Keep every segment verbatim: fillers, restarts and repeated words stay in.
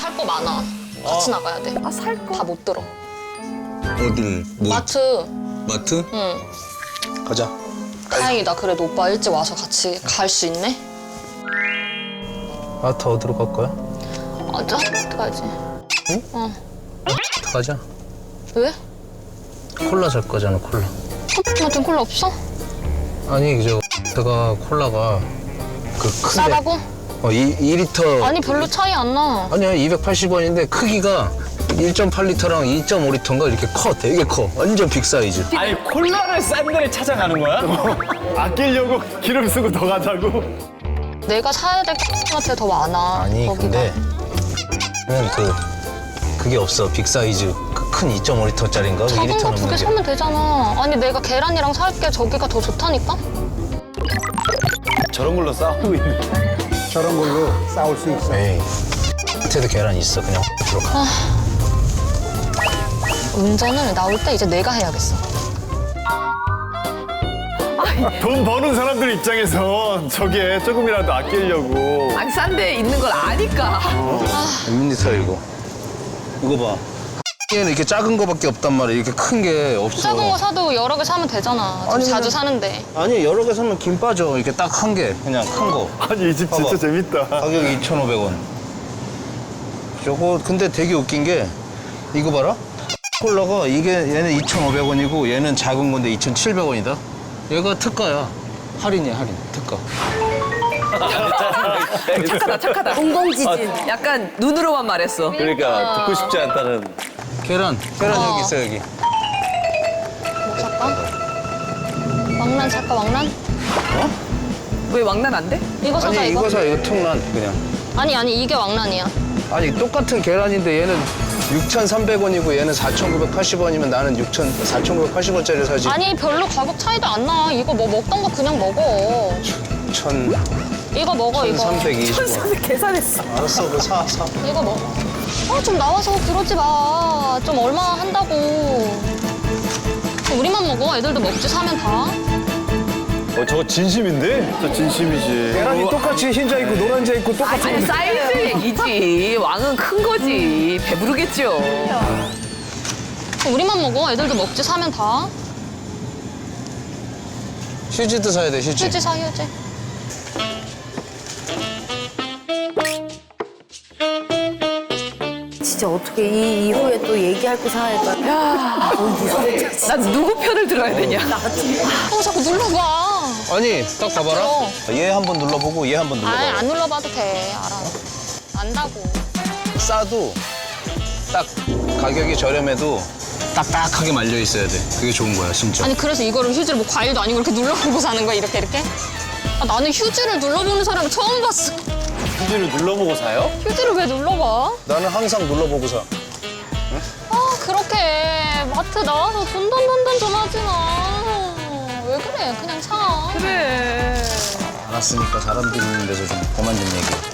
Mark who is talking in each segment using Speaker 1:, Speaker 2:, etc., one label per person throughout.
Speaker 1: 살 거 많아. 같이 나가야 돼.
Speaker 2: 아, 살 거?
Speaker 1: 다 못 들어.
Speaker 3: 어딜? 뭐?
Speaker 1: 마트.
Speaker 3: 마트?
Speaker 1: 응.
Speaker 3: 가자.
Speaker 1: 다행이다. 그래도 오빠 일찍 와서 같이 갈 수 있네.
Speaker 3: 마트 어디로 갈 거야?
Speaker 1: 맞아? 어떡하지?
Speaker 3: 응?
Speaker 1: 어.
Speaker 3: 가자.
Speaker 1: 왜?
Speaker 3: 콜라 살 거잖아, 콜라.
Speaker 1: 같은 콜라 없어?
Speaker 3: 아니, 저 제가 콜라가 그 큰데.
Speaker 1: 싸다고?
Speaker 3: 어, 이, 이 리터.
Speaker 1: 아니 별로 차이 안 나.
Speaker 3: 아니야, 이백팔십 원인데 크기가 일 점 팔 리터랑 이 점 오 리터인가 이렇게 커, 되게 커. 완전 빅 사이즈.
Speaker 4: 아니 콜라를 싼 데를 찾아가는 거야?
Speaker 5: 아끼려고 기름 쓰고 더 가자고?
Speaker 1: 내가 사야 될 같아 더 많아.
Speaker 3: 아니,
Speaker 1: 거기가.
Speaker 3: 근데 그냥 그 그게 없어. 빅 사이즈 그 큰 이 점 오 리터짜리인가? 이
Speaker 1: 작은
Speaker 3: 리터
Speaker 1: 거 두
Speaker 3: 넘는
Speaker 1: 개
Speaker 3: 게.
Speaker 1: 사면 되잖아. 아니 내가 계란이랑 살게 저기가 더 좋다니까?
Speaker 5: 저런 걸로 싸우고 있네.
Speaker 6: 저런 걸로 싸울 수 있어.
Speaker 3: 에이, 밑에도 계란 있어. 그냥 들어가.
Speaker 1: 운전을 나올 때 이제 내가 해야겠어.
Speaker 5: 돈 버는 사람들 입장에선 저게 조금이라도 아끼려고.
Speaker 2: 아니, 싼 데 있는 걸 아니까.
Speaker 3: 몇 리터 이거? 이거 봐. 얘는 이렇게 작은 거밖에 없단 말이야. 이렇게 큰 게 없어.
Speaker 1: 작은 거 사도 여러 개 사면 되잖아. 좀
Speaker 3: 아니,
Speaker 1: 자주
Speaker 3: 그냥-
Speaker 1: 사는데.
Speaker 3: 아니, 여러 개 사면 김 빠져. 이렇게 딱 한 개. 그냥 큰 거.
Speaker 5: 아니 이 집 진짜
Speaker 3: 봐봐.
Speaker 5: 재밌다.
Speaker 3: 가격이 이천오백 원. 저거 근데 되게 웃긴 게 이거 봐라. 콜라가 이게 얘는 이천오백 원이고 얘는 작은 건데 이천칠백 원이다. 얘가 특가야. 할인이야, 할인. 특가.
Speaker 2: 착하다, 착하다.
Speaker 7: 공공지진.
Speaker 2: 약간 눈으로만 말했어.
Speaker 4: 그러니까 듣고 싶지 않다는.
Speaker 3: 계란. 계란
Speaker 1: 어.
Speaker 3: 여기 있어, 여기.
Speaker 1: 뭐 살까? 왕란 살까, 왕란?
Speaker 2: 왜 왕란 안 돼?
Speaker 1: 이거 사자,
Speaker 3: 아니,
Speaker 1: 이거.
Speaker 3: 이거 사, 이거 통란 그냥.
Speaker 1: 아니, 아니, 이게 왕란이야.
Speaker 3: 아니, 똑같은 계란인데 얘는 육천삼백 원이고 얘는 사천구백팔십 원이면 나는 육천, 사천구백팔십 원짜리 사지.
Speaker 1: 아니, 별로 가격 차이도 안 나. 이거 뭐 먹던 거 그냥 먹어.
Speaker 3: 천,
Speaker 1: 이거 먹어, 이거.
Speaker 3: 천삼백이십 원.
Speaker 2: 계산했어.
Speaker 3: 알았어, 그거 사, 사.
Speaker 1: 이거 먹어. 아, 좀 나와서 그러지 마. 좀 얼마 한다고. 우리만 먹어. 애들도 먹지, 사면 다.
Speaker 5: 어 저거 진심인데? 진짜 진심이지.
Speaker 6: 계란이 똑같이 흰자 있고 노란자 있고 똑같이.
Speaker 2: 아니, 사이즈 얘기지. 왕은 큰 거지. 배부르겠죠.
Speaker 1: 우리만 먹어. 애들도 먹지, 사면 다.
Speaker 3: 휴지도 사야 돼, 휴지.
Speaker 1: 휴지 사, 휴지.
Speaker 7: 진짜 어떻게 이 이후에 또 얘기할 거 사니까.
Speaker 2: 야, 난 누구 편을 들어야 되냐?
Speaker 1: 어, 자꾸 눌러봐.
Speaker 3: 아니, 딱 봐봐라.
Speaker 1: 어.
Speaker 3: 얘 한 번 눌러보고 얘 한 번 눌러봐.
Speaker 1: 아이, 안 눌러봐도 돼. 알아. 안다고.
Speaker 3: 싸도 딱 가격이 저렴해도 딱딱하게 말려 있어야 돼. 그게 좋은 거야, 진짜.
Speaker 1: 아니, 그래서 이거를 휴지를 뭐 과일도 아니고 이렇게 눌러보고 사는 거야, 이렇게, 이렇게? 아, 나는 휴지를 눌러보는 사람을 처음 봤어.
Speaker 4: 휴지를 눌러보고 사요?
Speaker 1: 휴지를 왜 눌러봐?
Speaker 3: 나는 항상 눌러보고 사.
Speaker 1: 아, 그렇게 마트 나와서 돈돈돈돈 좀 하지 마. 왜 그래? 그냥 사.
Speaker 2: 그래.
Speaker 3: 알았으니까 사람들 있는 데서 좀 그만 좀 얘기해.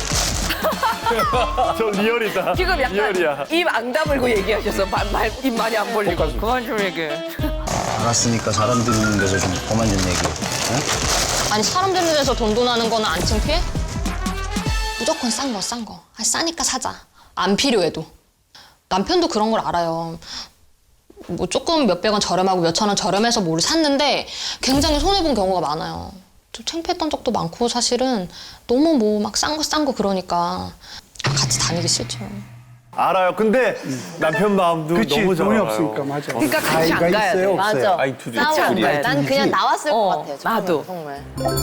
Speaker 5: 저 리얼이다.
Speaker 2: 지금 약간
Speaker 5: 리얼이야.
Speaker 2: 입 안 다물고 얘기하셔서 말, 말, 입 많이 안 벌리고. 그만 좀 얘기해.
Speaker 3: 알았으니까 사람들 있는 데서 좀 그만 좀 얘기해.
Speaker 1: 아니, 사람 되는 데서 돈돈하는 거는 안 창피해? 무조건 싼 거, 싼 거. 아, 싸니까 사자. 안 필요해도. 남편도 그런 걸 알아요. 뭐 조금 몇백 원 저렴하고 몇천 원 저렴해서 뭘 샀는데 굉장히 손해본 경우가 많아요. 좀 창피했던 적도 많고 사실은 너무 뭐 막 싼 거 싼 거 그러니까 같이 다니기 싫죠.
Speaker 5: 알아요. 근데 남편 마음도
Speaker 6: 그치,
Speaker 5: 너무 잘
Speaker 6: 돈이
Speaker 5: 알아요.
Speaker 6: 없으니까 맞아.
Speaker 2: 그러니까 같이 안
Speaker 6: 가위가
Speaker 2: 가야
Speaker 6: 있어요,
Speaker 2: 돼.
Speaker 6: 없어요?
Speaker 7: 맞아.
Speaker 4: 아이 둘이
Speaker 2: 같이 안
Speaker 7: 싸워요.
Speaker 2: 가야 돼.
Speaker 7: 난 그냥 나왔을
Speaker 2: 어,
Speaker 7: 것 같아요. 정말,
Speaker 2: 나도.
Speaker 7: 정말.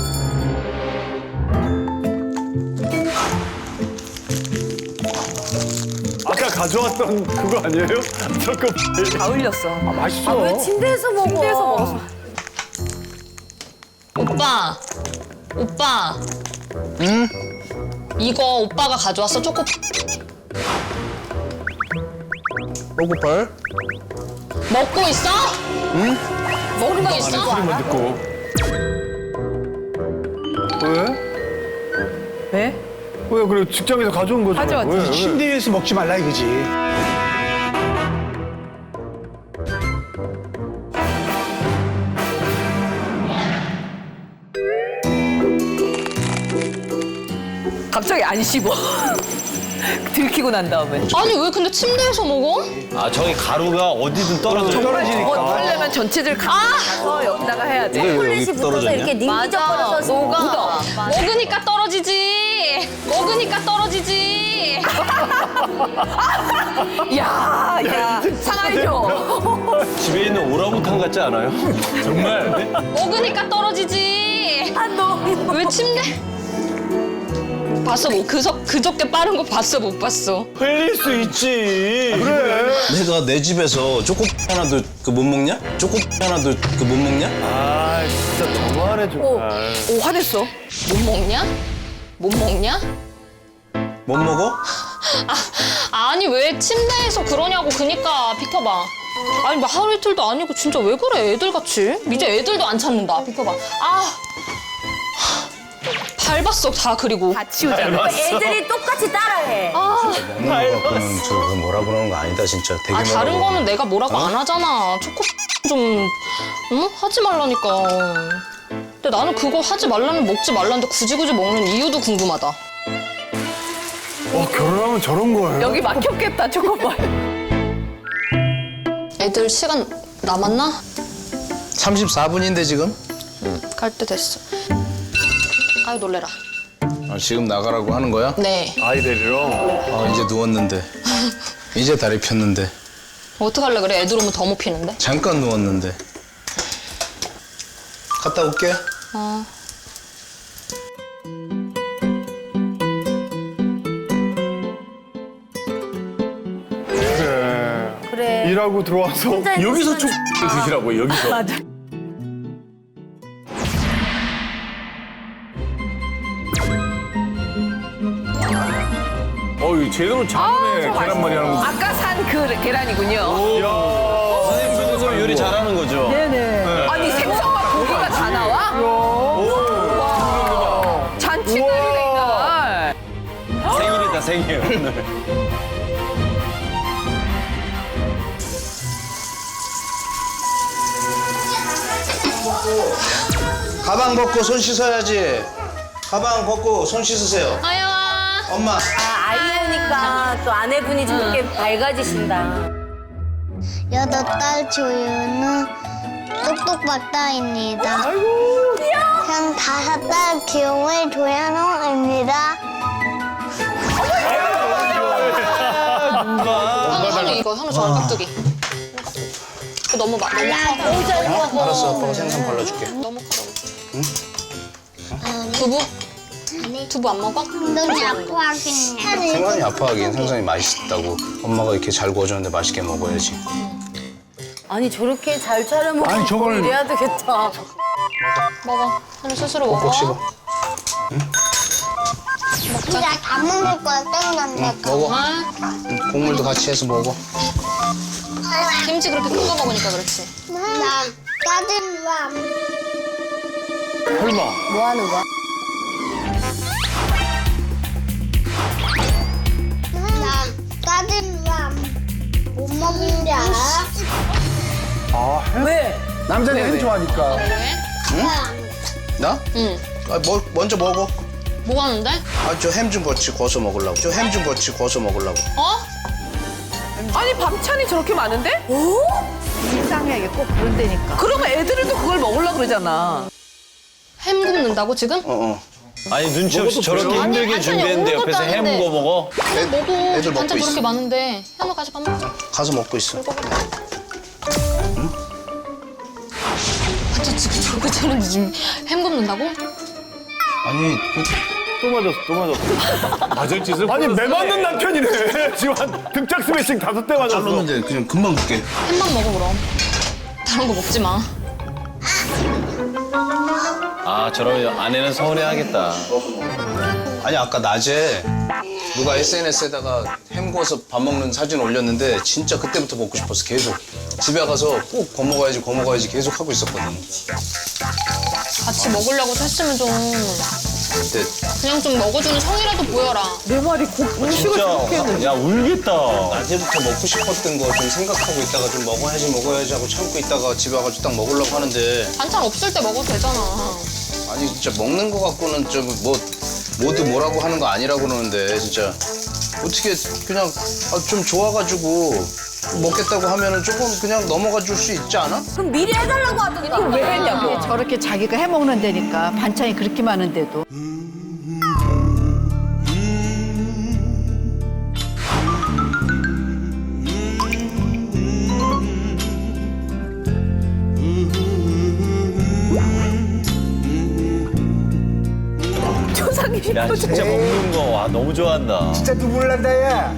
Speaker 5: 아까 가져왔던 그거 아니에요? 저거
Speaker 2: 다 흘렸어.
Speaker 6: 맛있어.
Speaker 7: 왜 침대에서 먹어?
Speaker 2: 침대에서 먹었어.
Speaker 1: 오빠! 오빠!
Speaker 3: 응?
Speaker 1: 이거 오빠가 가져왔어, 초코.
Speaker 3: 로고팔?
Speaker 1: 먹고 있어?
Speaker 3: 응?
Speaker 1: 먹고 있어?
Speaker 5: 소리만 듣고. 왜?
Speaker 2: 왜?
Speaker 5: 왜 그래? 직장에서 가져온 거잖아.
Speaker 2: 가져왔지.
Speaker 5: 왜, 왜?
Speaker 6: 침대에서 먹지 말라 이거지.
Speaker 2: 갑자기 안 씹어. 들키고 난 다음에.
Speaker 1: 아니 왜 근데 침대에서 먹어?
Speaker 4: 아 저기 가루가 어디든 떨어져.
Speaker 2: 어, 하려면 전체들 가서 여기다가 해야 돼.
Speaker 7: 초콜릿이 붙어서 이렇게 닝기적거려서
Speaker 2: 녹아.
Speaker 7: 묻어.
Speaker 1: 먹으니까 떨어지지. 먹으니까 떨어지지.
Speaker 2: 야, 야, 상하이죠.
Speaker 4: 집에 있는 오랑우탄 같지 않아요? 정말?
Speaker 1: 먹으니까 떨어지지.
Speaker 7: 아, 너무.
Speaker 1: 왜 침대? 봤어 뭐 그저 그저께 빠른 거 봤어 못 봤어?
Speaker 4: 흘릴 수 있지.
Speaker 3: 내가 내 집에서 초코 하나도 그 못 먹냐? 초코 하나도 그 못 먹냐?
Speaker 5: 아, 진짜 너무하네, 정말.
Speaker 2: 오, 화냈어.
Speaker 1: 못 먹냐? 못 먹냐?
Speaker 3: 못 먹어?
Speaker 1: 아, 아니 왜 침대에서 그러냐고 그니까 비켜봐. 아니 뭐 하루 이틀도 아니고 진짜 왜 그래 애들같이? 이제 애들도 안 찾는다 비켜봐. 아 밟았어 다 그리고.
Speaker 2: 다 치우잖아.
Speaker 7: 애들이 똑같이 따라해.
Speaker 3: 먹는 거 갖고는 저거 뭐라 그러는 거 아니다 진짜. 되게
Speaker 1: 아
Speaker 3: 뭐라
Speaker 1: 다른
Speaker 3: 그러는
Speaker 1: 거는 내가 뭐라고 안 하잖아. 초코 좀 응? 하지 말라니까. 근데 나는 그거 하지 말라는 먹지 말라는데 굳이 굳이 먹는 이유도 궁금하다.
Speaker 5: 어, 결혼하면 저런 거예요?
Speaker 2: 여기 막혔겠다, 초코발.
Speaker 1: 애들 시간 남았나?
Speaker 3: 삼십사 분인데 지금?
Speaker 1: 갈 때 됐어. 아유 놀래라.
Speaker 3: 아, 지금 나가라고 하는 거야?
Speaker 1: 네.
Speaker 5: 아이 데리러?
Speaker 3: 아 이제 누웠는데 이제 다리 폈는데
Speaker 1: 어떡할래 그래 애들 오면 더 못 피는데.
Speaker 3: 잠깐 누웠는데 갔다 올게.
Speaker 1: 어.
Speaker 5: 그래.
Speaker 7: 그래.
Speaker 5: 일하고 들어와서
Speaker 7: 혼자
Speaker 5: 여기서
Speaker 7: 있는
Speaker 5: 쭉 드시라고요, 여기서.
Speaker 2: 맞아.
Speaker 5: 어이, 제대로 잘하네, 계란말이 하는 거.
Speaker 2: 아까 산 그 계란이군요.
Speaker 4: 선생님 그래서 요리 잘하는 거죠?
Speaker 2: 네네. 아니, 생선과 고기가 다 나와? 와. 잔치날이네, 이날.
Speaker 4: 생일이다 생일 오늘.
Speaker 3: 가방 벗고 손 씻어야지. 가방 벗고 손 씻으세요.
Speaker 1: 아야.
Speaker 3: 엄마.
Speaker 7: 아, 아이 오니까 또 아내분이 저렇게 밝아지신다.
Speaker 8: 여덟 달 조유는 똑똑박다입니다. 형 다섯 달 귀여운 조현웅입니다.
Speaker 1: 현우 이거 현우 저랑 깍두기. 그 너무 막 너무 커.
Speaker 7: 너무 잘 먹어.
Speaker 3: 알았어, 아빠가 생선 발라줄게.
Speaker 1: 너무 커. 두부? 두부 안 먹어?
Speaker 8: 너무 아파하긴 해.
Speaker 3: 생선이 아파하긴 생선이 맛있다고 엄마가 이렇게 잘 구워줬는데 맛있게 먹어야지.
Speaker 7: 아니, 저렇게 잘 차려 먹고
Speaker 6: 아니, 저걸-
Speaker 7: 이래야 되겠다.
Speaker 1: 먹어. 현우 스스로 먹어.
Speaker 3: 꼭꼭 씹어.
Speaker 8: 진짜 다 먹을 거야, 땡난다.
Speaker 3: 먹어.
Speaker 1: 아,
Speaker 3: 응, 국물도 같이 해서 먹어.
Speaker 1: 김치 그렇게 큰 거 먹으니까 그렇지.
Speaker 8: 나 까들람.
Speaker 5: 설마.
Speaker 7: 뭐 하는 거야?
Speaker 8: 나 까들람. 못 먹는 줄 알아?
Speaker 6: 아, 햄?
Speaker 7: 왜?
Speaker 6: 남자는 햄 좋아하니까.
Speaker 1: 왜?
Speaker 3: 나?
Speaker 1: 응.
Speaker 3: 아, 뭐, 먼저 먹어.
Speaker 1: 뭐 하는데?
Speaker 3: 아, 저 햄 좀 같이 구워서 먹으려고. 저 햄 좀 같이 구워서 먹으려고.
Speaker 1: 어?
Speaker 2: 아니, 반찬이 저렇게 많은데?
Speaker 7: 오?
Speaker 2: 불쌍해, 꼭 그런 데니까. 그러면 애들은 또 그걸 먹으려고 그러잖아.
Speaker 1: 햄 굽는다고 지금?
Speaker 3: 어, 어.
Speaker 4: 아니 눈치 없이 저렇게
Speaker 1: 아니,
Speaker 4: 힘들게
Speaker 1: 반찬이
Speaker 4: 준비했는데
Speaker 1: 없는
Speaker 4: 옆에서
Speaker 1: 것도
Speaker 4: 햄
Speaker 1: 아닌데.
Speaker 4: 구워 먹어?
Speaker 1: 그냥 먹어.
Speaker 3: 애들 먹고
Speaker 1: 반찬
Speaker 3: 있어.
Speaker 1: 저렇게 많은데. 현우 가서 밥 먹자.
Speaker 3: 가서 먹고 있어.
Speaker 1: 반찬 지금 저렇게 차는데 지금 햄 굽는다고?
Speaker 3: 아니, 그,
Speaker 5: 또 맞았어, 또 맞았어. 맞을 짓을. 아니, 매 맞는 남편이네. 지금 한 등짝 스매싱 다섯 대 맞았어.
Speaker 3: 잘랐는데 그냥 금방 굽게.
Speaker 1: 햄만 먹어 그럼. 다른 거 먹지 마.
Speaker 4: 아 저러면 아내는 서운해하겠다.
Speaker 3: 아니, 아까 낮에 누가 에스엔에스에다가 햄 구워서 밥 먹는 사진 올렸는데 진짜 그때부터 먹고 싶었어, 계속. 집에 가서 꼭 구워 먹어야지, 구워 먹어야지 계속 하고 있었거든.
Speaker 1: 같이 먹으려고 했으면 좀
Speaker 3: 근데
Speaker 1: 그냥 좀 먹어주는 성이라도 보여라.
Speaker 2: 내 말이 곧 음식을
Speaker 4: 진짜
Speaker 2: 저렇게 했는데.
Speaker 4: 야 울겠다.
Speaker 3: 낮에부터 먹고 싶었던 거 좀 생각하고 있다가 좀 먹어야지 먹어야지 하고 참고 있다가 집에 가가지고 딱 먹으려고 하는데
Speaker 1: 반찬 없을 때 먹어도 되잖아.
Speaker 3: 아니 진짜 먹는 거 갖고는 좀 뭐 모두 뭐라고 하는 거 아니라고 그러는데 진짜 어떻게 그냥 아, 좀 좋아가지고 먹겠다고 하면은 조금 그냥 넘어가 줄 수 있지 않아?
Speaker 7: 그럼 미리 해달라고 하던가.
Speaker 2: 왜 했냐고. 저렇게 자기가 해 먹는 데니까 반찬이 그렇게 많은데도.
Speaker 7: 조상님
Speaker 4: 야 진짜 먹는 거 와 너무 좋아한다.
Speaker 6: 진짜 눈물 난다, 야.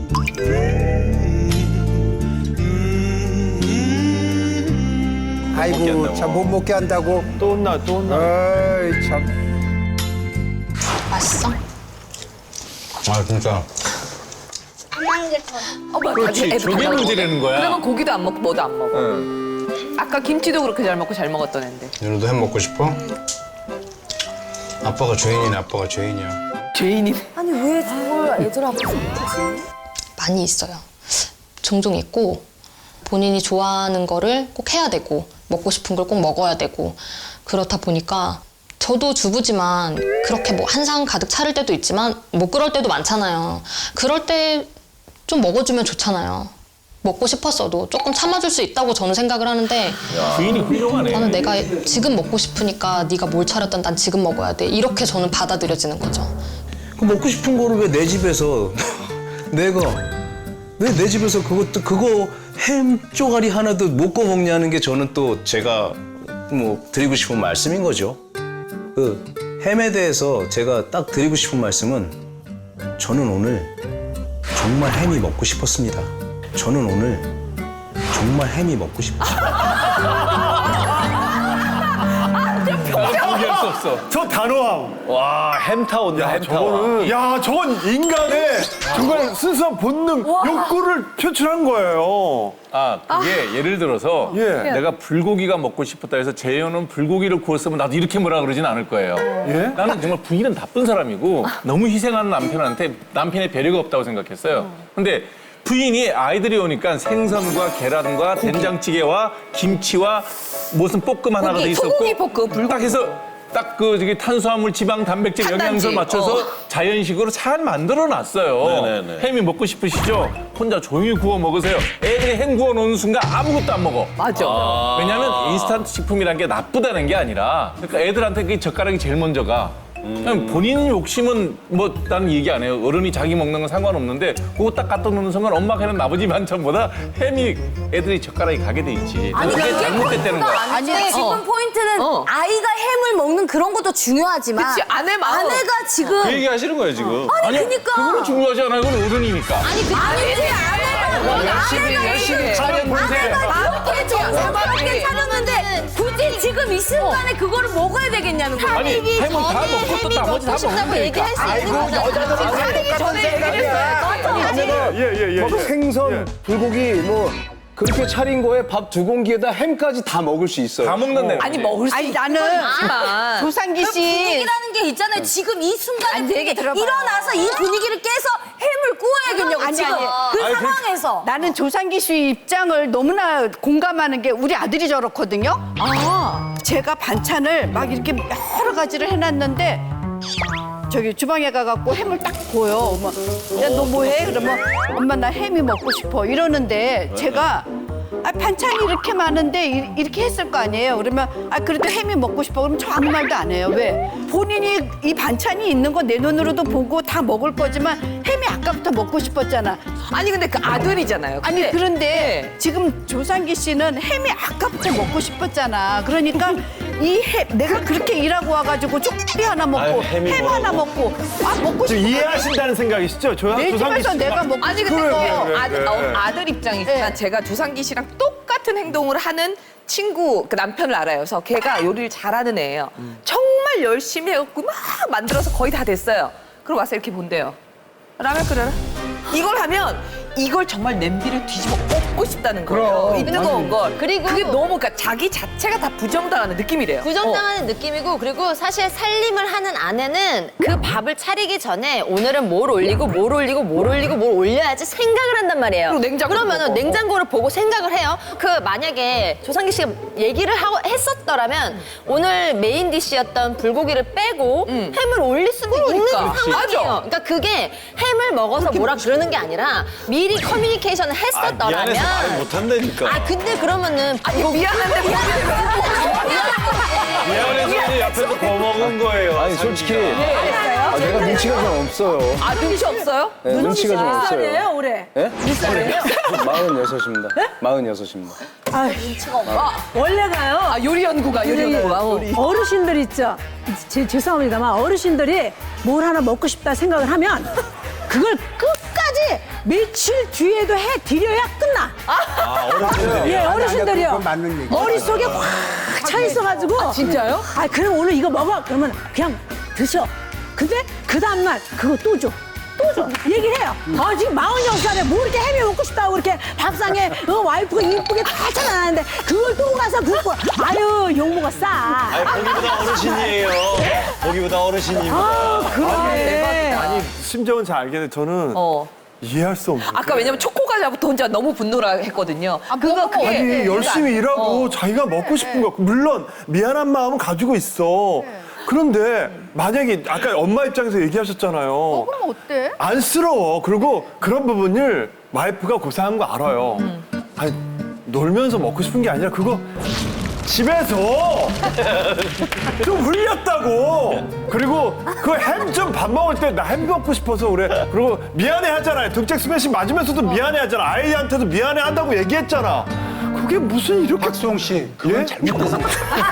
Speaker 6: 아이고, 참 못 먹게 한다고.
Speaker 5: 또 혼나, 또 혼나.
Speaker 6: 어이, 참.
Speaker 1: 맛있어?
Speaker 3: 아 진짜.
Speaker 8: 안한 게 더.
Speaker 2: 어, 맞아.
Speaker 5: 그렇지,
Speaker 2: 애들
Speaker 5: 저게
Speaker 2: 달라고.
Speaker 5: 문제라는 거야.
Speaker 2: 그러면 고기도 안 먹고 뭐도 안 먹어. 아까 김치도 그렇게 잘 먹고 잘 먹었던 애인데.
Speaker 3: 윤호도 햄 먹고 싶어? 아빠가 죄인이네. 아빠가 죄인이야.
Speaker 2: 죄인이네.
Speaker 7: 아니 왜 저걸 애들 앞에서 못하지?
Speaker 1: 많이 있어요. 종종 있고 본인이 좋아하는 거를 꼭 해야 되고 먹고 싶은 걸 꼭 먹어야 되고 그렇다 보니까 저도 주부지만 그렇게 뭐 한상 가득 차릴 때도 있지만 못 그럴 때도 많잖아요. 그럴 때 좀 먹어주면 좋잖아요. 먹고 싶었어도 조금 참아줄 수 있다고 저는 생각을 하는데
Speaker 4: 부인이 훌륭하네.
Speaker 1: 저는 내가 지금 먹고 싶으니까 네가 뭘 차렸던 난 지금 먹어야 돼. 이렇게 저는 받아들여지는 거죠.
Speaker 3: 그 먹고 싶은 거를 왜 내 집에서 내가 왜 내 집에서 그것도 그거 햄 쪼가리 하나도 못 구워 먹냐는 게 저는 또 제가 뭐 드리고 싶은 말씀인 거죠. 그 햄에 대해서 제가 딱 드리고 싶은 말씀은 저는 오늘 정말 햄이 먹고 싶었습니다. 저는 오늘 정말 햄이 먹고 싶었습니다.
Speaker 5: 포기할 수 없어. 저 단호함.
Speaker 4: 와 햄타 온다 햄타.
Speaker 5: 저거는, 야, 저건 인간의 정말 순수한 본능, 욕구를 표출한 거예요.
Speaker 9: 아, 그게 예를 들어서
Speaker 5: 예.
Speaker 9: 내가 불고기가 먹고 싶었다 해서 재현은 불고기를 구웠으면 나도 이렇게 뭐라 그러진 않을 거예요.
Speaker 5: 예?
Speaker 9: 나는 정말 부인은 나쁜 사람이고 너무 희생하는 남편한테 남편의 배려가 없다고 생각했어요. 근데 부인이 아이들이 오니까 생선과 계란과 된장찌개와 김치와 무슨 볶음 하나가
Speaker 2: 고기,
Speaker 9: 돼 있었고
Speaker 2: 소고기 볶음, 불고기.
Speaker 9: 딱 해서 딱 그 저기 탄수화물, 지방, 단백질,
Speaker 2: 탄단지.
Speaker 9: 영양소를 맞춰서
Speaker 2: 어.
Speaker 9: 자연식으로 잘 만들어 놨어요.
Speaker 4: 네네네.
Speaker 9: 햄이 먹고 싶으시죠? 혼자 조용히 구워 먹으세요. 애들이 햄 구워 놓는 순간 아무것도 안 먹어.
Speaker 2: 맞아.
Speaker 9: 왜냐면 인스턴트 식품이란 게 나쁘다는 게 아니라 그러니까 애들한테 그 젓가락이 제일 먼저 가. 그냥 본인 욕심은 뭐 나는 얘기 안 해요. 어른이 자기 먹는 건 상관없는데 그거 딱 갖다 놓는 순간 엄마가 해는 아버지 반찬보다 햄이 애들이 젓가락이 가게 돼 있지.
Speaker 7: 아니
Speaker 9: 그게
Speaker 7: 그게
Speaker 9: 잘못됐다는 거야.
Speaker 7: 아니
Speaker 2: 아니,
Speaker 7: 지금
Speaker 2: 어.
Speaker 7: 포인트는
Speaker 2: 어.
Speaker 7: 아이가 햄을 먹는 그런 것도 중요하지만
Speaker 2: 그치, 아내 마음.
Speaker 7: 아내가 지금
Speaker 4: 그 얘기 하시는 거예요 지금.
Speaker 7: 아니 그니까
Speaker 9: 그거는 중요하지 않아요. 그건 어른이니까.
Speaker 7: 아니 그 아니지 아내가
Speaker 2: 열심히, 열심히.
Speaker 7: 아내가 이렇게 정성스럽게 차렸는데 굳이 지금 이 순간에 그거를 먹어야 되겠냐는 거야.
Speaker 9: 아니 햄은 다 먹고 또 나머지 다 먹으면 되니까.
Speaker 6: 아이고, 여자들이
Speaker 2: 전 생각이야.
Speaker 5: 예, 예, 예.
Speaker 6: 뭐
Speaker 5: 예.
Speaker 6: 생선,
Speaker 5: 예.
Speaker 6: 불고기, 뭐 그렇게 차린 거에 밥 두 공기에다 햄까지 다 먹을 수 있어요.
Speaker 9: 다 먹는 데.
Speaker 2: 아니 먹을 수
Speaker 10: 아니 나는
Speaker 2: 있지만
Speaker 10: 조상기 씨
Speaker 7: 분위기라는 게 있잖아요. 지금 이 순간에
Speaker 10: 아니, 내 얘기 들어봐요.
Speaker 7: 일어나서 이 분위기를 깨서 햄을 구워야겠냐고
Speaker 10: 아니,
Speaker 7: 지금
Speaker 10: 아니.
Speaker 7: 그
Speaker 9: 아니, 그-
Speaker 7: 상황에서.
Speaker 10: 나는 조상기 씨 입장을 너무나 공감하는 게 우리 아들이 저렇거든요. 아, 제가 반찬을 막 이렇게 여러 가지를 해놨는데 저기 주방에 가갖고 햄을 딱 보여. 야, 너 뭐해? 그러면 엄마 나 햄이 먹고 싶어 이러는데 제가 아, 반찬이 이렇게 많은데 이- 이렇게 했을 거 아니에요. 그러면 아 그래도 햄이 먹고 싶어. 그럼 저 아무 말도 안 해요. 왜? 본인이 이 반찬이 있는 거 내 눈으로도 보고 다 먹을 거지만 햄이 아까부터 먹고 싶었잖아.
Speaker 2: 아니 근데 그 아들이잖아요.
Speaker 10: 아니
Speaker 2: 근데-
Speaker 10: 그런데
Speaker 2: 네.
Speaker 10: 지금 조상기 씨는 햄이 아까부터 먹고 싶었잖아. 그러니까 이 햄 내가 그렇게 일하고 와가지고 쪽비 하나 먹고
Speaker 4: 아유, 햄이
Speaker 10: 햄 하나 먹고 아 먹고
Speaker 5: 지금
Speaker 10: 싶어.
Speaker 5: 이해하신다는 생각이시죠? 조상,
Speaker 10: 내
Speaker 5: 조상기
Speaker 10: 집에서
Speaker 5: 씨가.
Speaker 10: 내가 먹고
Speaker 2: 아니 근데
Speaker 5: 그래,
Speaker 2: 또
Speaker 5: 그래, 그래,
Speaker 2: 아들,
Speaker 5: 그래.
Speaker 2: 어, 아들 입장이지만
Speaker 10: 네.
Speaker 2: 제가 조상기 씨랑 똑같은 행동을 하는 친구 그 남편을 알아요. 그래서 걔가 요리를 잘하는 애예요. 정말 열심히 해갖고 막 만들어서 거의 다 됐어요. 그럼 와서 이렇게 본대요. 라면 끓여라. 이걸 하면 이걸 정말 냄비를 뒤집어 엎고 싶다는 거예요. 이 뜨거운 걸.
Speaker 7: 그리고
Speaker 2: 그게 너무 그러니까 자기 자체가 다 부정당하는 느낌이래요.
Speaker 7: 부정당하는 느낌이고 그리고 사실 살림을 하는 아내는 그 밥을 차리기 전에 오늘은 뭘 올리고 뭘 올리고 뭘 올리고 뭘 올려야지 생각을 한단 말이에요.
Speaker 2: 그리고 냉장고를
Speaker 7: 그러면은
Speaker 2: 보고.
Speaker 7: 냉장고를 보고 생각을 해요. 그 만약에 조상기 씨가 얘기를 하고 했었더라면 오늘 메인 디시였던 불고기를 빼고 햄을 올릴 수도 있는
Speaker 2: 그러니까.
Speaker 7: 상황이에요.
Speaker 2: 맞아.
Speaker 7: 그러니까 그게 햄을 먹어서 뭐라 그러는 게 아니라 미리 커뮤니케이션을 했었더라면
Speaker 4: 미안해서 말 못한다니까.
Speaker 7: 아 근데 그러면은
Speaker 2: 아, 이거 미안한데
Speaker 4: 미안해서 옆에서 거먹은 거예요.
Speaker 6: 아니 솔직히 아, 내가 눈치가 좀 없어요.
Speaker 2: 아 눈치 없어요?
Speaker 6: 네, 눈치가 좀 없어요.
Speaker 10: 올해.
Speaker 6: 예? 몇 살이에요? 마흔여섯입니다. 마흔여섯입니다.
Speaker 11: 원래가요.
Speaker 2: 아 요리 연구가 요리 연구가. 어.
Speaker 11: 어르신들 있죠. 제, 죄송합니다만 어르신들이 뭘 하나 먹고 싶다 생각을 하면 그걸 끝까지 며칠 뒤에도 해 드려야 끝나.
Speaker 4: 아, 어른들이.
Speaker 11: 예, 어르신들이요. 머릿속에 확 차 있어가지고. 아,
Speaker 2: 진짜요?
Speaker 11: 아, 그럼 오늘 이거 먹어. 그러면 그냥 드셔. 근데 그 다음날 그거 또 줘. 또 줘. 얘기를 해요. 아, 지금 마흔여섯 살에 뭐 이렇게 햄이 먹고 싶다고 이렇게 밥상에 어, 와이프가 이쁘게 다 차려놨는데 그걸 또 가서 굽고. 아유, 욕먹어 싸.
Speaker 4: 아니, 보기보다 어르신이에요. 보기보다 어르신입니다.
Speaker 11: 아, 그래.
Speaker 5: 아니 심정은 잘 알겠는데 저는
Speaker 2: 어.
Speaker 5: 이해할 수 없는.
Speaker 2: 아까 왜냐면 초코과자부터 혼자 너무 분노라 했거든요. 그거 그게
Speaker 5: 아니
Speaker 2: 네,
Speaker 5: 열심히
Speaker 2: 그러니까,
Speaker 5: 일하고
Speaker 2: 어.
Speaker 5: 자기가 먹고 싶은 거 물론 미안한 마음은 가지고 있어. 그런데 만약에 아까 엄마 입장에서 얘기하셨잖아요.
Speaker 10: 그럼 어때?
Speaker 5: 안쓰러워. 그리고 그런 부분을 와이프가 고생한 거 알아요. 아니 놀면서 먹고 싶은 게 아니라 그거 집에서 좀 흘렸다고. 그리고 그 햄 좀 밥 먹을 때 나 햄 먹고 싶어서 그래. 그리고 미안해 하잖아요. 등짝 스매싱 맞으면서도 미안해 하잖아. 아이한테도 미안해 한다고 얘기했잖아. 그게 무슨 이렇게.
Speaker 12: 박수홍 씨, 그건
Speaker 5: 예?
Speaker 12: 잘못된 생각.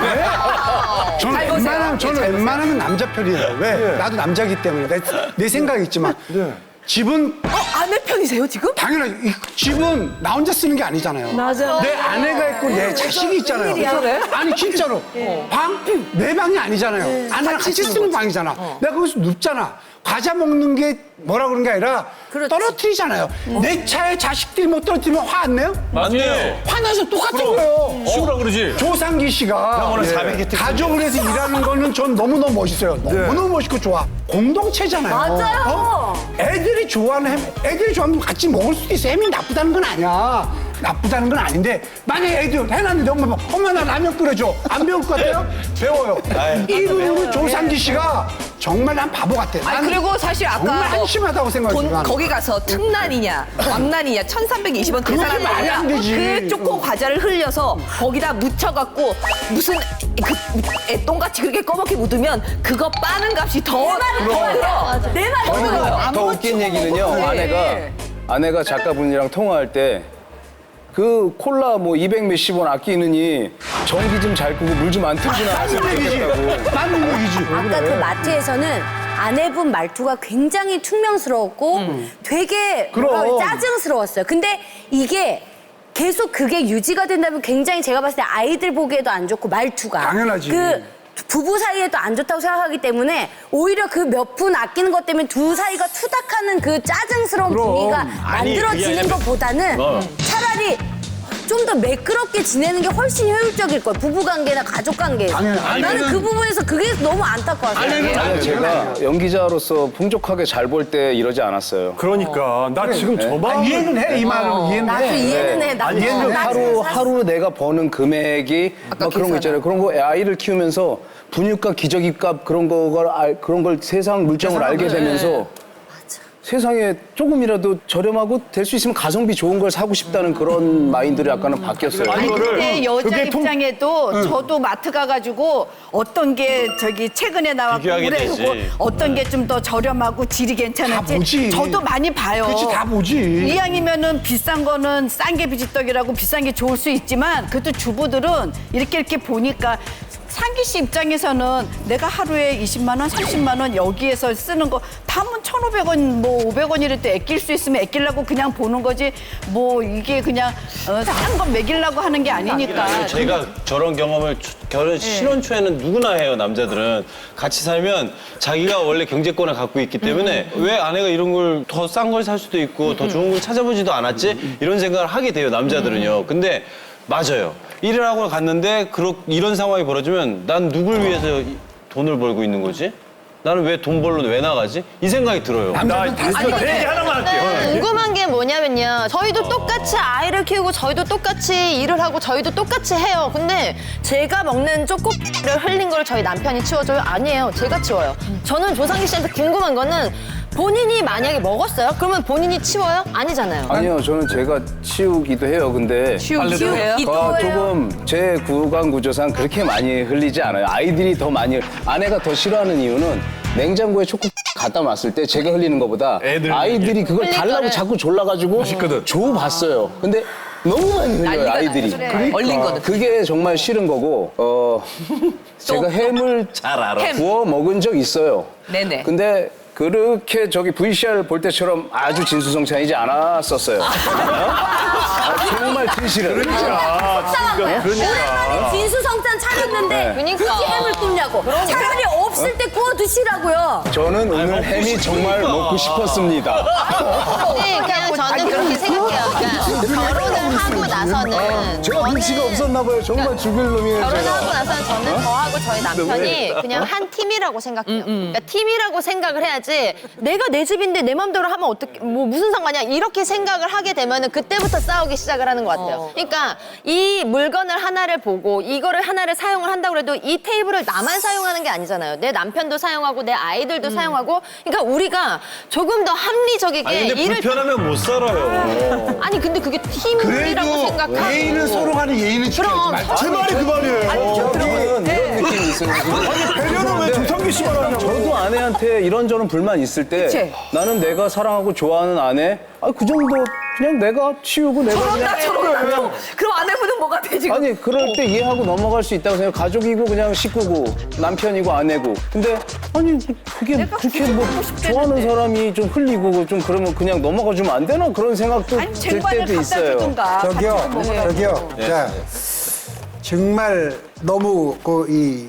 Speaker 12: 저는
Speaker 2: 잘 보세요.
Speaker 12: 웬만하면, 저는
Speaker 2: 잘 보세요.
Speaker 12: 웬만하면 남자 편이에요. 왜?
Speaker 5: 예.
Speaker 12: 나도 남자기 때문에. 내, 내 생각이 있지만.
Speaker 5: 네.
Speaker 12: 집은,
Speaker 2: 어, 아내 편이세요 지금?
Speaker 12: 당연하지. 이 집은 나 혼자 쓰는 게 아니잖아요.
Speaker 11: 맞아.
Speaker 12: 내 아내가 있고 내 자식이 있잖아요.
Speaker 2: 그래?
Speaker 12: 아니, 진짜로. 방, 내 방이 아니잖아요. 아내랑 같이 쓰는 방이잖아. 내가 거기서 눕잖아. 과자 먹는 게 뭐라 그런 게 아니라 떨어뜨리잖아요. 내 차에 자식들이 못 떨어뜨리면 화 안 내요?
Speaker 9: 맞네요.
Speaker 12: 화나서 똑같은 거예요.
Speaker 9: 쉬우라 그러지.
Speaker 12: 조상기 씨가
Speaker 4: 오늘 사백 개
Speaker 12: 가족을 해서 일하는 거는 전 너무너무 멋있어요. 너무너무 멋있고 좋아. 공동체잖아요.
Speaker 7: 맞아요.
Speaker 12: 어? 애들이 좋아하는 햄, 애들이 좋아하면 같이 먹을 수도 있어. 햄이 나쁘다는 건 아니야. 나쁘다는 건 아닌데 만약에 애들 해놨는데 엄마 막 엄마 나 라면 끓여줘. 안 배울 것 같아요? 배워요. 이 부분은 조상기 씨가 정말 난 바보 같아.
Speaker 2: 아니
Speaker 12: 나는
Speaker 2: 그리고 사실 아까
Speaker 12: 정말
Speaker 2: 뭐
Speaker 12: 한심하다고 생각해요.
Speaker 2: 돈,
Speaker 12: 나는.
Speaker 2: 거기 가서 특난이냐 왕난이냐 천삼백이십 원
Speaker 12: 그렇게
Speaker 2: 계산하는
Speaker 12: 말이 안 되지.
Speaker 2: 그 초코 과자를 흘려서 거기다 묻혀갖고 무슨 그 애똥같이 그렇게 꺼멓게 묻으면 그거 빠는 값이 더 더 들어.
Speaker 7: 내 말이
Speaker 2: 더 들어요.
Speaker 6: 더 웃긴 얘기는요.
Speaker 2: 네.
Speaker 6: 아내가 아내가 작가분이랑 통화할 때 그 콜라 뭐 이백 몇십 원 아끼느니 전기 좀 잘 끄고 물 좀 안 틀고 나왔으면 좋겠다고.
Speaker 12: 맞는 얘기지.
Speaker 7: 아까 그 마트에서는 아내분 말투가 굉장히 퉁명스러웠고 되게 뭐라
Speaker 12: 그럼.
Speaker 7: 그래, 짜증스러웠어요. 근데 이게 계속 그게 유지가 된다면 굉장히 제가 봤을 때 아이들 보기에도 안 좋고 말투가
Speaker 12: 당연하지.
Speaker 7: 그 부부 사이에도 안 좋다고 생각하기 때문에 오히려 그 몇 푼 아끼는 것 때문에 두 사이가 투닥하는 그 짜증스러운
Speaker 12: 그럼.
Speaker 7: 분위기가
Speaker 4: 아니,
Speaker 7: 만들어지는
Speaker 4: 그게 아니라-
Speaker 7: 것보다는
Speaker 4: 어.
Speaker 7: 차라리 좀 더 매끄럽게 지내는 게 훨씬 효율적일 거예요. 부부 관계나 가족 관계에서.
Speaker 12: 당연히.
Speaker 7: 나는 그 부분에서 그게 너무 안타까웠어요.
Speaker 6: 아니, 제가 연기자로서 풍족하게 잘 벌 때 이러지 않았어요.
Speaker 5: 그러니까 나 지금 저 마음.
Speaker 12: 아, 이해는 해. 이 말은 이해는
Speaker 7: 나도
Speaker 12: 해.
Speaker 7: 이해는 해. 나도
Speaker 6: 아니,
Speaker 7: 나도
Speaker 6: 하루
Speaker 7: 사실-
Speaker 6: 하루 내가 버는 금액이 막 그런 거 있잖아요. 그런 거 아이를 키우면서 분유값, 기저귀값 그런 거를 알, 그런 걸 세상 물정을 알게 되면서 세상에 조금이라도 저렴하고 될 수 있으면 가성비 좋은 걸 사고 싶다는 그런 마인드를 약간은 바뀌었어요.
Speaker 10: 아니 근데 여자
Speaker 5: 그게 통-
Speaker 10: 입장에도 저도 마트 가가지고 어떤 게 저기 최근에 나왔고
Speaker 4: 비교하게
Speaker 10: 올해
Speaker 4: 되지.
Speaker 10: 그거 어떤 게 좀 더 저렴하고 질이
Speaker 12: 다
Speaker 10: 괜찮은지
Speaker 12: 보지.
Speaker 10: 저도 많이 봐요.
Speaker 12: 그렇지, 다 보지.
Speaker 10: 이왕이면은 비싼 거는 싼 게 비지떡이라고 비싼 게 좋을 수 있지만 그래도 주부들은 이렇게 이렇게 보니까 상기 씨 입장에서는 내가 하루에 이십만 원, 삼십만 원 여기에서 쓰는 거 다면 천오백 원, 뭐 오백 원이랄 때 아낄 수 있으면 아끼려고 그냥 보는 거지 뭐 이게 그냥 어, 싼 거 먹이려고 하는 게 아니니까.
Speaker 4: 제가 저런 경험을 초- 결혼 신혼 초에는 누구나 해요. 남자들은 같이 살면 자기가 원래 경제권을 갖고 있기 때문에 왜 아내가 이런 걸 더 싼 걸 살 수도 있고 더 좋은 걸 찾아보지도 않았지 이런 생각을 하게 돼요. 남자들은요. 근데 맞아요. 일을 하고 갔는데 그렇 이런 상황이 벌어지면 난 누굴 위해서 이- 돈을 벌고 있는 거지? 나는 왜 돈 벌러 왜 나가지? 이 생각이 들어요.
Speaker 5: 나 다시 그 얘기 하나만 할게요.
Speaker 7: 네, 궁금한 게 뭐냐면요. 저희도 똑같이 아이를 키우고 저희도 똑같이 일을 하고 저희도 똑같이 해요. 근데 제가 먹는 초코를 흘린 걸 저희 남편이 치워줘요? 아니에요. 제가 치워요. 저는 조상기 씨한테 궁금한 거는 본인이 만약에 먹었어요? 그러면 본인이 치워요? 아니잖아요.
Speaker 6: 아니요, 저는 제가 치우기도 해요. 근데
Speaker 2: 치우기도 해요?
Speaker 6: 어, 조금 제 구강 구조상 그렇게 많이 흘리지 않아요. 아이들이 더 많이 아내가 더 싫어하는 이유는 냉장고에 초코 갖다 놨을 때 제가 흘리는 것보다
Speaker 9: 애들
Speaker 6: 아이들이 그걸
Speaker 7: 흘릴
Speaker 6: 달라고
Speaker 7: 거를.
Speaker 6: 자꾸 졸라가지고 줘봤어요. 근데 너무 많이 흘려요,
Speaker 2: 난리가
Speaker 6: 아이들이.
Speaker 2: 나죠. 그래. 얼린 거는.
Speaker 6: 그게 정말 싫은 거고 어 제가 햄을
Speaker 9: 잘 알아.
Speaker 2: 햄.
Speaker 6: 구워 먹은 적 있어요.
Speaker 2: 네네.
Speaker 6: 근데 그렇게 저기 브이씨알 볼 때처럼 아주 진수성찬이지 않았었어요. 아, 정말 진실은.
Speaker 11: 오랜만에 진수성찬 차렸는데
Speaker 6: 네.
Speaker 7: 그러니까.
Speaker 11: 굳이 햄을 굽냐고. 차라리 없을 때 구워 드시라고요.
Speaker 6: 저는 오늘 햄이 정말 먹고 싶었습니다.
Speaker 7: 네, 그냥 저는 그렇게 생각해요. 그러니까 결혼을 하고 나서는
Speaker 6: 제가 눈치가 없었나 봐요. 정말 죽일 놈이에요,
Speaker 7: 결혼을
Speaker 6: 제가.
Speaker 7: 하고 나서는 저는 저하고 저희 남편이 그냥 한 팀이라고 생각해요. 그러니까 팀이라고 생각을 해야지 내가 내 집인데 내 맘대로 하면 어떻게 뭐 무슨 상관이야 이렇게 생각을 하게 되면은 그때부터 싸우기 시작을 하는 것 같아요. 그러니까 이 물건을 하나를 보고 이거를 하나를 사용을 한다고 해도 이 테이블을 나만 사용하는 게 아니잖아요. 내 남편도 사용하고 내 아이들도 사용하고 그러니까 우리가 조금 더 합리적이게
Speaker 4: 아니 근데
Speaker 7: 일을
Speaker 4: 불편하면 못 살아요.
Speaker 7: 아니 근데 그게 팀이라고 생각하고
Speaker 12: 예의는 서로 간에 예의는
Speaker 7: 그럼
Speaker 12: 지켜야지.
Speaker 5: 제 말이 그 말이에요.
Speaker 6: 저는 이런 느낌이 있어요.
Speaker 5: 아니 배려는 왜 조상기 씨만 하냐고.
Speaker 6: 저도 아내한테 이런저런 불만 있을 때
Speaker 2: 그치?
Speaker 6: 나는 내가 사랑하고 좋아하는 아내 아, 그 정도 그냥 내가 치우고 내가
Speaker 2: 저런다
Speaker 6: 그냥
Speaker 2: 저런다. 그럼 아내분은 뭐가 돼 지금?
Speaker 6: 아니 그럴 때 이해하고 넘어갈 수 있다고 생각. 가족이고 그냥 식구고 남편이고 아내고. 근데 아니 그게 그렇게 뭐 좋아하는 사람이 좀 흘리고 좀 그러면 그냥 넘어가 주면 안 되나 그런 생각도
Speaker 10: 아니
Speaker 6: 들
Speaker 10: 쟁반을
Speaker 6: 때도
Speaker 10: 갖다
Speaker 6: 있어요.
Speaker 10: 주든가.
Speaker 12: 저기요,
Speaker 10: 같이 먹으라고.
Speaker 12: 저기요. 자, 정말 너무 그 이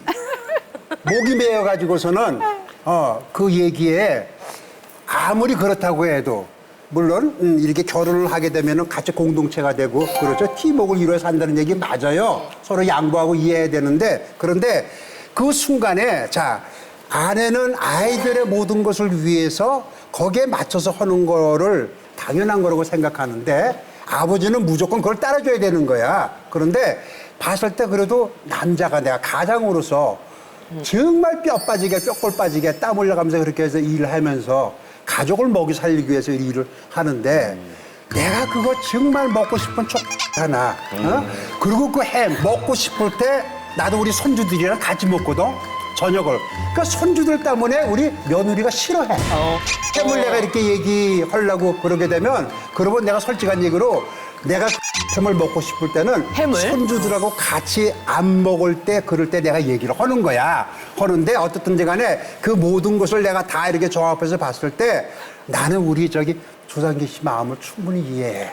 Speaker 12: 목이 메어 가지고서는 어 그 얘기에 아무리 그렇다고 해도 물론 음, 이렇게 결혼을 하게 되면은 같이 공동체가 되고 그렇죠. 팀워크를 이루어 산다는 얘기 맞아요. 서로 양보하고 이해해야 되는데 그런데 그 순간에 자 아내는 아이들의 모든 것을 위해서 거기에 맞춰서 하는 거를 당연한 거라고 생각하는데 아버지는 무조건 그걸 따라줘야 되는 거야. 그런데 봤을 때 그래도 남자가 내가 가장으로서 정말 뼈 빠지게 뼈골 빠지게 땀 흘려가면서 그렇게 해서 일을 하면서 가족을 먹이 살리기 위해서 일을 하는데 내가 그거 정말 먹고 싶은 촉 하나 어? 그리고 그 햄 먹고 싶을 때 나도 우리 손주들이랑 같이 먹거든 저녁을 그러니까 손주들 때문에 우리 며느리가 싫어해 햄을 내가 이렇게 얘기하려고 그러게 되면 그러면 내가 솔직한 얘기로 내가 햄을 먹고 싶을 때는
Speaker 2: 햄을?
Speaker 12: 손주들하고 같이 안 먹을 때 그럴 때 내가 얘기를 하는 거야. 하는데 어떻든지 간에 그 모든 것을 내가 다 이렇게 종합해서 봤을 때 나는 우리 저기 조상기 씨 마음을 충분히 이해해.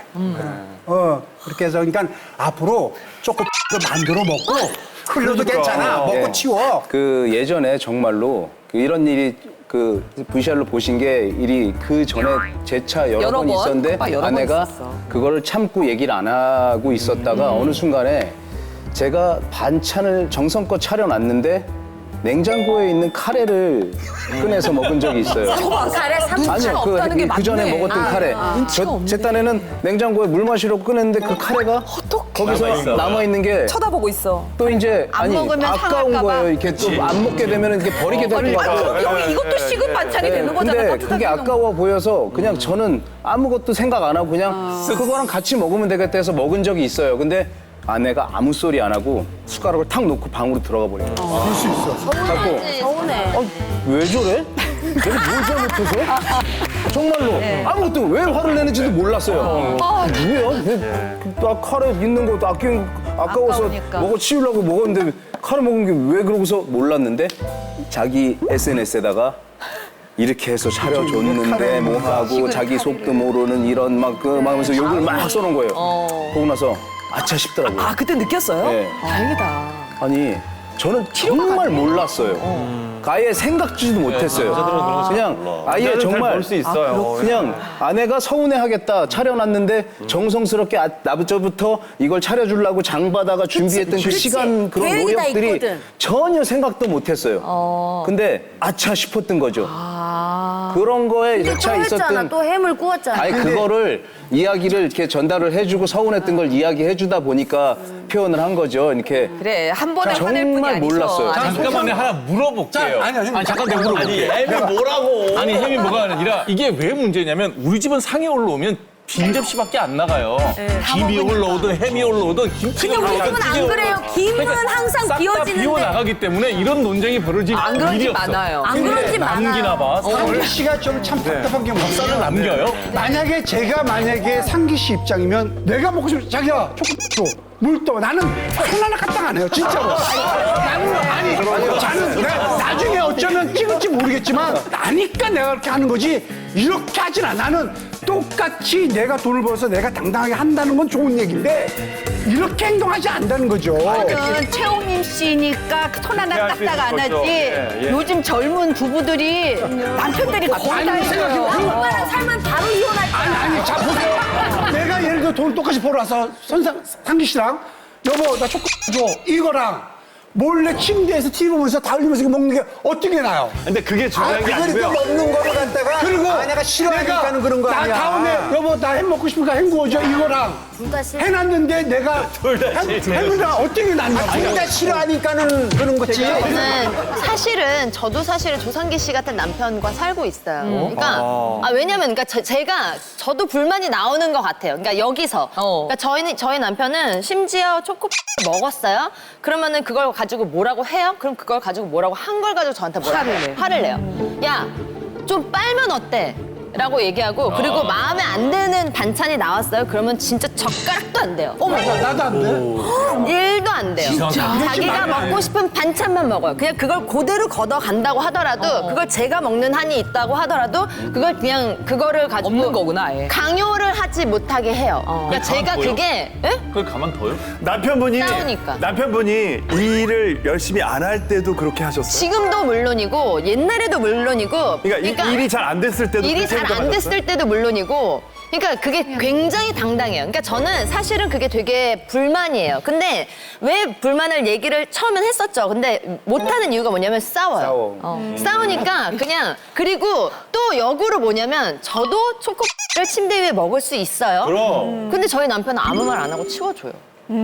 Speaker 12: 어, 그렇게 해서 그러니까 앞으로 조금 더 만들어 먹고 흘려도 괜찮아. 먹고
Speaker 6: 네.
Speaker 12: 치워.
Speaker 6: 그 예전에 정말로 그 이런 일이 그 브이씨알로 보신 게 일이 그 전에 제 차 여러,
Speaker 2: 여러
Speaker 6: 번
Speaker 2: 번?
Speaker 6: 있었는데
Speaker 2: 오빠 여러 번
Speaker 6: 아내가
Speaker 2: 있었어.
Speaker 6: 그거를 참고 얘기를 안 하고 있었다가 어느 순간에 제가 반찬을 정성껏 차려놨는데 냉장고에 있는 카레를 꺼내서 먹은 적이 있어요.
Speaker 11: 가래 삼
Speaker 6: 아니요, 그,
Speaker 2: 없다는 게
Speaker 6: 그 전에
Speaker 2: 맞네.
Speaker 6: 먹었던
Speaker 2: 아,
Speaker 6: 카레.
Speaker 2: 아,
Speaker 6: 저, 제 딴에는 냉장고에 물 마시러 꺼냈는데 그 카레가 거기서
Speaker 9: 남아있어.
Speaker 6: 남아있는 게
Speaker 2: 쳐다보고 있어.
Speaker 6: 또 이제
Speaker 10: 안
Speaker 6: 아니
Speaker 10: 먹으면
Speaker 6: 아까운
Speaker 10: 상할까 봐.
Speaker 6: 거예요. 이렇게 또 안 먹게 되면 이렇게 버리게 될 것 같아요.
Speaker 2: 여기 이것도 식은 반찬이 되는 거잖아.
Speaker 6: 근데
Speaker 2: 따뜻하게
Speaker 6: 그게
Speaker 2: 해놓은 거.
Speaker 6: 아까워 보여서 그냥 저는 아무것도 생각 안 하고 그냥 그거랑 같이 먹으면 되겠다 해서 먹은 적이 있어요. 근데 아내가 아무 소리 안 하고 숟가락을 탁 놓고 방으로 들어가 버려요. 그럴 수 있어.
Speaker 7: 서운하지.
Speaker 11: 서운해.
Speaker 6: 어, 왜 저래? 내가 뭘 잘못해서? 정말로 아무것도 왜 화를 내는지도 몰랐어요. 아, 뭐야? 나 카레 있는 것도 아끼는 거 아까워서
Speaker 2: 아까우니까.
Speaker 6: 먹어 치우려고 먹었는데 칼을 먹은 게 왜 그러고서 몰랐는데 자기 에스엔에스에다가 이렇게 해서 차려줬는데 뭐 하고 자기 속도 모르는 이런 막그 하면서 욕을 막 써놓은 거예요. 보고 나서 아차 싶더라고요.
Speaker 2: 아 그때 느꼈어요?
Speaker 6: 네.
Speaker 2: 다행이다.
Speaker 6: 아니 저는 정말 몰랐어요. 아예 생각지도 못했어요. 그냥 아예 정말
Speaker 5: 볼수 있어요.
Speaker 6: 그냥 아내가 서운해하겠다 차려놨는데 정성스럽게 아, 나부터부터 이걸 차려주려고 장바다가 준비했던 그
Speaker 11: 그치.
Speaker 6: 시간 그런
Speaker 11: 계획이 다
Speaker 6: 노력들이
Speaker 11: 있거든.
Speaker 6: 전혀 생각도 못했어요. 근데 아차 싶었던 거죠. 그런 거에
Speaker 11: 또
Speaker 6: 여차
Speaker 11: 했잖아.
Speaker 6: 있었던
Speaker 11: 또 햄을 구웠잖아.
Speaker 6: 아니 그거를 이야기를 이렇게 전달을 해주고 서운했던 걸 이야기해주다 보니까 표현을 한 거죠. 이렇게
Speaker 2: 그래 한 번에 화낼 뿐이
Speaker 6: 정말
Speaker 2: 아니죠.
Speaker 6: 몰랐어요.
Speaker 2: 아니,
Speaker 9: 잠깐만요. 하나 물어볼게요.
Speaker 12: 아니, 아니,
Speaker 9: 아니 잠깐 내가 물어볼게요.
Speaker 4: 아니 햄이 뭐라고?
Speaker 9: 아니 햄이 뭐가 아니라 이게 왜 문제냐면 우리 집은 상에 올라오면 빈 접시밖에 안 나가요. 김이 올라오든 햄이 올라오든 김치가
Speaker 11: 근데 우리
Speaker 9: 올라오든
Speaker 11: 집은 안
Speaker 9: 찌개
Speaker 11: 그래요.
Speaker 9: 올라오든.
Speaker 11: 김은
Speaker 9: 그러니까
Speaker 11: 항상
Speaker 9: 싹다
Speaker 11: 비워지는데.
Speaker 9: 비워 나가기 때문에 이런 논쟁이 벌어질
Speaker 2: 안 그런
Speaker 9: 일이
Speaker 2: 집
Speaker 9: 없어.
Speaker 2: 많아요.
Speaker 11: 안 그런 집 많아요.
Speaker 9: 남기나 봐.
Speaker 12: 상기 씨가 좀 참 답답한 게
Speaker 9: 쌀을
Speaker 12: 뭐냐면
Speaker 9: 남겨요?
Speaker 12: 만약에 제가 만약에 상기 씨 입장이면 내가 먹고 싶은 자기야 초코 줘. 물 떠. 나는 하나나 까딱 안 해요. 진짜로. 나는 아니 나는 내가 나중에 어쩌면 찍을지 모르겠지만 나니까 내가 그렇게 하는 거지 이렇게 하진 않아. 나는 똑같이 내가 돈을 벌어서 내가 당당하게 한다는 건 좋은 얘기인데 이렇게 행동하지 않는다는 거죠.
Speaker 10: 저는 최홍림 씨니까 손 하나
Speaker 5: 이해할 수
Speaker 10: 까딱 안
Speaker 5: 있을 거죠.
Speaker 10: 하지.
Speaker 5: 예, 예.
Speaker 10: 요즘 젊은 부부들이 남편들이 거의 다
Speaker 12: 아니, 생각해봐.
Speaker 10: 해요.
Speaker 11: 오빠랑 살면 바로 이혼할 거야.
Speaker 12: 아니 아니 자 보세요. 내가 예를 들어 돈 똑같이 벌어와서 선상 상기 씨랑 여보 나 초코 줘 이거랑 몰래 침대에서 티비 보면서 다 흘리면서 이거 먹는 게 어떻게 나요?
Speaker 5: 근데 그게 중요한 게 아니고요.
Speaker 12: 먹는 거를 갖다가 그리고 아내가 싫어하니까는 그런 거 아니야. 나 다음에 여보 나 햄 먹고 싶으니까 햄 구워줘 이거랑
Speaker 11: 둘다 싫어.
Speaker 12: 해놨는데 내가 햄이랑 어떻게 낫냐고.
Speaker 8: 둘 다 싫어하니까는 그런 거지.
Speaker 7: 저는 사실은 저도 사실은 조상기 씨 같은 남편과 살고 있어요. 그러니까 아, 왜냐면 그러니까 저, 제가 저도 불만이 나오는 것 같아요. 그러니까 여기서
Speaker 2: 어.
Speaker 7: 그러니까 저희는 저희 남편은 심지어 초코 먹었어요. 그러면은 그걸 가지고 뭐라고 해요? 그럼 그걸 가지고 뭐라고 한 걸 가지고 저한테 뭐라고
Speaker 2: 화를 내.
Speaker 7: 화를 내요. 야, 좀 빨면 어때? 라고 얘기하고 그리고 마음에 안 드는 반찬이 나왔어요. 그러면 진짜 젓가락도 안 돼요. 어머,
Speaker 12: 나도 안 돼.
Speaker 7: 일도 안 돼요. 자기가 먹고 싶은 반찬만 먹어요. 그냥 그걸 그대로 걷어 간다고 하더라도 그걸 제가 먹는 한이 있다고 하더라도 그걸 그냥 그거를 가지고
Speaker 2: 없는 거구나 아예.
Speaker 7: 강요를 하지 못하게 해요. 그러니까 제가
Speaker 9: 가만둬요?
Speaker 7: 그게 예?
Speaker 9: 그걸 가만둬요?
Speaker 5: 남편분이
Speaker 7: 싸우니까.
Speaker 5: 남편분이 이 일을 열심히 안 할 때도 그렇게 하셨어요.
Speaker 7: 지금도 물론이고 옛날에도 물론이고
Speaker 5: 그러니까, 이- 일이 잘 안 됐을 때도
Speaker 7: 일이
Speaker 5: 그렇게
Speaker 7: 잘 안
Speaker 5: 행동하셨어요?
Speaker 7: 됐을 때도 물론이고 그러니까 그게 굉장히 당당해요. 그러니까 저는 사실은 그게 되게 불만이에요. 근데 왜 불만을 얘기를 처음엔 했었죠. 근데 못하는 이유가 뭐냐면 싸워요.
Speaker 6: 싸워.
Speaker 7: 어. 싸우니까 그냥 그리고 또 역으로 뭐냐면 저도 초코를 침대 위에 먹을 수 있어요.
Speaker 4: 그럼.
Speaker 7: 근데 저희 남편은 아무 말 안 하고 치워줘요.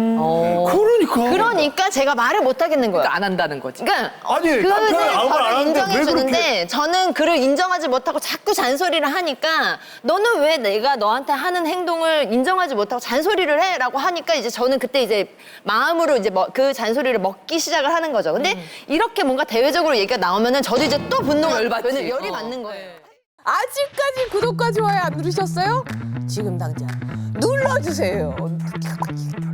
Speaker 12: 그러니까.
Speaker 7: 그러니까 제가 말을 못 하겠는 거예요.
Speaker 2: 그러니까 안 한다는 거지.
Speaker 7: 그러니까
Speaker 5: 아니,
Speaker 7: 그거는
Speaker 5: 남편은 아무 말안
Speaker 7: 저를
Speaker 5: 하는데
Speaker 7: 인정해
Speaker 5: 왜
Speaker 7: 주는데 저는 그를 인정하지 못하고 자꾸 잔소리를 하니까 너는 왜 내가 너한테 하는 행동을 인정하지 못하고 잔소리를 해라고 하니까 이제 저는 그때 이제 마음으로 이제 뭐 그 잔소리를 먹기 시작을 하는 거죠. 근데 이렇게 뭔가 대외적으로 얘기가 나오면은 저도 이제 또 분노가
Speaker 2: 열받지.
Speaker 7: 열이, 열이
Speaker 2: 어.
Speaker 7: 받는 거예요.
Speaker 13: 아직까지 구독과 좋아요 안 누르셨어요? 지금 당장 눌러주세요.